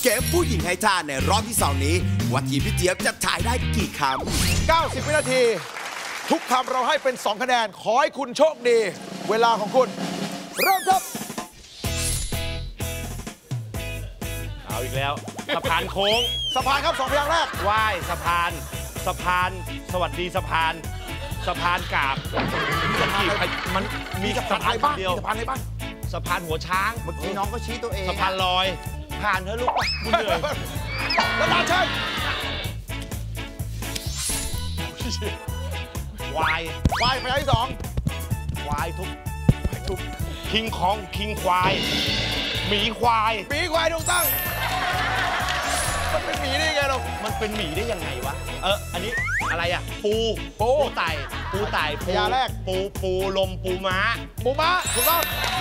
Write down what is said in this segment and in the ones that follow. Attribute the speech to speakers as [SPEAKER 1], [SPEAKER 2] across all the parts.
[SPEAKER 1] เกมผู้หญิงให้ท่าในรอบที่2นี้ว่าทีมพี่เจี๊ยบจะถ่ายได้กี่คำ
[SPEAKER 2] 90 วินาทีทุกคำเราให้เป็น2คะแนนขอให้คุณโชคดีเวลาของคุณเริ่มครับ
[SPEAKER 3] เอาอีกแล้วสะพานโค้ง
[SPEAKER 2] สะพานครับ2พยางค์แรก
[SPEAKER 3] ว่ายสะพานสวัสดีสะพานกาบมันมีสะพานอะไรบ้างสะพานอะไรบ้างสะพานหัวช้าง
[SPEAKER 4] เมื่อกี้น้องก็ชี้ตัวเอง
[SPEAKER 3] สะพานลอยผ่านเถอะลูกป่ะคุณเหนื่อย
[SPEAKER 2] แล้วตาเชิญ
[SPEAKER 3] วาย
[SPEAKER 2] พยางค์ที่2
[SPEAKER 3] วายทุบคิงควายหมีควาย
[SPEAKER 2] ถูกต้องมันเป็นหมีได้ไงเรา
[SPEAKER 3] มันเป็นหมีได้ยังไงวะอันนี้อะไรอ่ะปูไต่
[SPEAKER 2] พยางค์แรก
[SPEAKER 3] ปูลมปูม้า
[SPEAKER 2] ถูกต้อง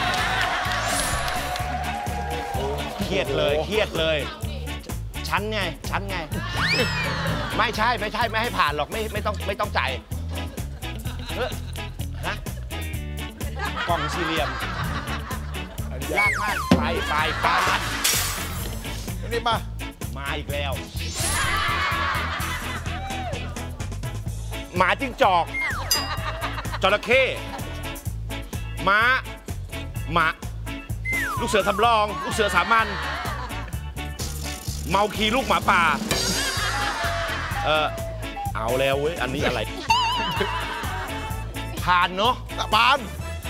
[SPEAKER 3] เครียดเลยชั้นไงไม่ใช่ไม่ให้ผ่านหรอกไม่ต้องจ่ายฮะกล่องสี่เหลี่ยมยากมากไป
[SPEAKER 2] นี่
[SPEAKER 3] มาอีกแล้วหมาจิ้งจอกจระเข้ม้าลูกเสือสำรองลูกเสือสามัญเมาคีลูกหมาป่าเอาแล้วเว้ยอันนี้อะไรผ่านเนาะ
[SPEAKER 2] ผ่าน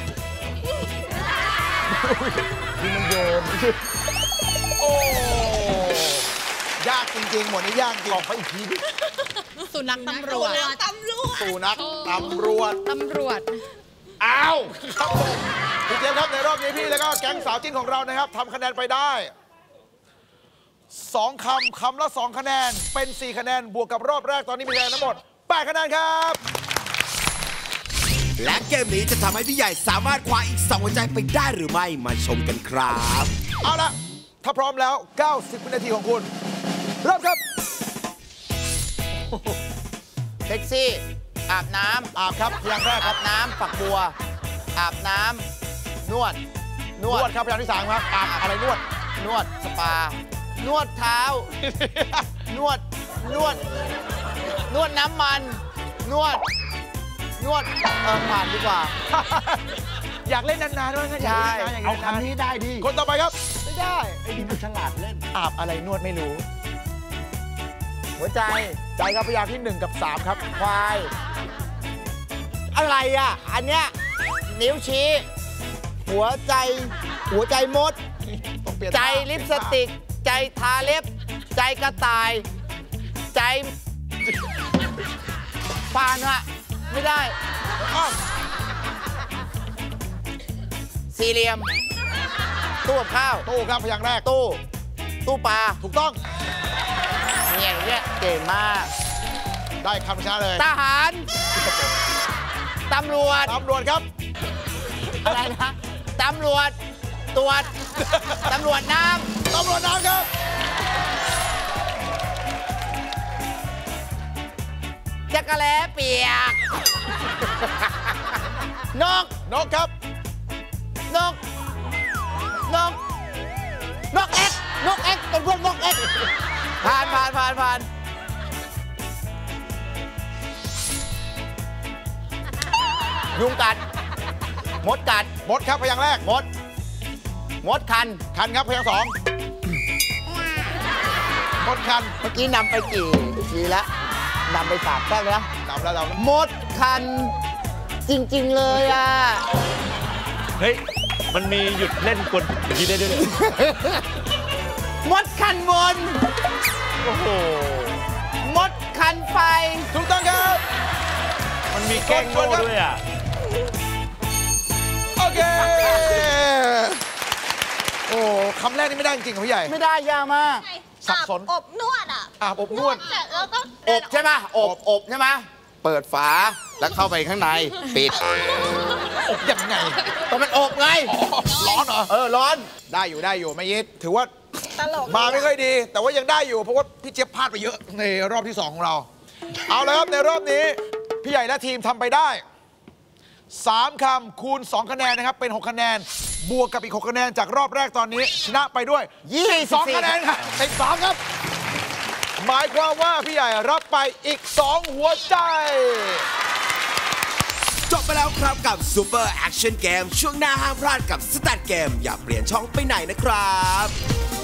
[SPEAKER 3] คือมันโยน
[SPEAKER 2] โอ้ยากจริงๆหมดนี้ยากจริง
[SPEAKER 3] ลองไปอีกทีดิ
[SPEAKER 5] สุนัขตำรวจ
[SPEAKER 3] อ้าว
[SPEAKER 2] ครับผมพี่เจี๊ยบครับในรอบนี้พี่แล้วก็แก๊งสาวจิ้นของเรานะครับทำคะแนนไปได้2 คำละ2 คะแนนเป็น4 คะแนนบวกกับรอบแรกตอนนี้มีคะแนนทั้งหมด8 คะแนนครับ
[SPEAKER 1] และเกมนี้จะทำให้พี่ใหญ่สามารถคว้าอีก2 หัวใจไปได้หรือไม่มาชมกันครับ
[SPEAKER 2] เอาละถ้าพร้อมแล้ว90 วินาทีของคุณเริ่มครับ
[SPEAKER 4] เซ็กซี่อาบน้ำ
[SPEAKER 2] อาบครับพยางค์แรกครับ
[SPEAKER 4] น้ำฝักบัวอาบน้ำนวด
[SPEAKER 2] ครับพยางค์ที่3ครับอาบอะไรนวด
[SPEAKER 4] สปานวดเท้านวดน้ำมันนวดผ่านดีกว่า
[SPEAKER 2] อยากเล่นนานๆด้วยนะ
[SPEAKER 4] ใช่
[SPEAKER 3] เอาคำนี้ได้ดิ
[SPEAKER 2] คนต่อไปครับ
[SPEAKER 4] ไม่ได้
[SPEAKER 3] ไอ้นี่มันฉลาดเล่น
[SPEAKER 2] อาบอะไรนวดไม่รู้
[SPEAKER 4] หัวใจ
[SPEAKER 2] ครับพยางค์ที่1 กับ 3ครับ
[SPEAKER 4] ควายอะไรอ่ะอันเนี้ยนิ้วชี้หัวใจมดใจลิปสติกใจทาเล็บใจกระต่ายใจผ่านอะไม่ได้สี่เหลี่ยมตู้กับข้าว
[SPEAKER 2] ตู้ครับพยางค์แรก
[SPEAKER 4] ตู้ปลา
[SPEAKER 2] ถูกต้อง
[SPEAKER 4] เนี่ยเก่งมาก
[SPEAKER 2] ได้คำช้าเลย
[SPEAKER 4] ทหารตำรวจ
[SPEAKER 2] ครับ
[SPEAKER 4] อะไรนะตำรวจตรวจตำรวจน้ำ
[SPEAKER 2] ครับ
[SPEAKER 4] จักรแล้เปียกนก
[SPEAKER 2] ครับ
[SPEAKER 4] นกเอ็กเป็นพวกนกเอ็กผ่านยุงกัดมดกัด
[SPEAKER 2] มดครับพยางค์แรก
[SPEAKER 4] มดคัน
[SPEAKER 2] ครับพยางค์2มดคัน
[SPEAKER 4] เมื่อกี้นำไปกี่ทีแล้วนำไป3แต้มแล้วมดคันจริงๆเลยอ่ะ
[SPEAKER 3] เฮ้ยมันมีหยุดเล่นกลทีได้ด้วย
[SPEAKER 4] มดคันบน
[SPEAKER 3] โอ้โห
[SPEAKER 4] มดคันไฟ
[SPEAKER 2] ถูกต้องครับ
[SPEAKER 3] มันมีแกล้งโง่ด้วยอ่ะ
[SPEAKER 2] โอเคโอ้คำแรกนี่ไม่ได้จริงๆพี่ใหญ่
[SPEAKER 4] ไม่ได้ยากมาก
[SPEAKER 2] สับสน
[SPEAKER 5] อบนวดอ่ะ
[SPEAKER 2] อบนวด
[SPEAKER 5] แล้วก็
[SPEAKER 4] อบใช่ไหมอบใช่ไหมเปิดฝาแล้วเข้าไปข้างในปิด
[SPEAKER 2] อบยังไง
[SPEAKER 4] ต้องเป็นอบไง
[SPEAKER 2] ร้อนเหรอ
[SPEAKER 4] ร้อน
[SPEAKER 2] ได้อยู่ไม่ยิดถือว่ามาไม่ค่อยดีแต่ว่ายังได้อยู่เพราะว่าพี่เจี๊ยบพลาดไปเยอะในรอบที่2ของเราเอาเลยครับในรอบนี้พี่ใหญ่และทีมทำไปได้3 คำคูณ2 คะแนนนะครับเป็น6 คะแนนบวกกับอีก6คะแนนจากรอบแรกตอนนี้ชนะไปด้วย22คะแนนครับติด2ครับหมายความว่าพี่ใหญ่รับไปอีก2หัวใจ
[SPEAKER 1] จบไปแล้วครับกับ Super Action Game ช่วงหน้าห้ามพลาดกับ Stat Game อย่าเปลี่ยนช่องไปไหนนะครับ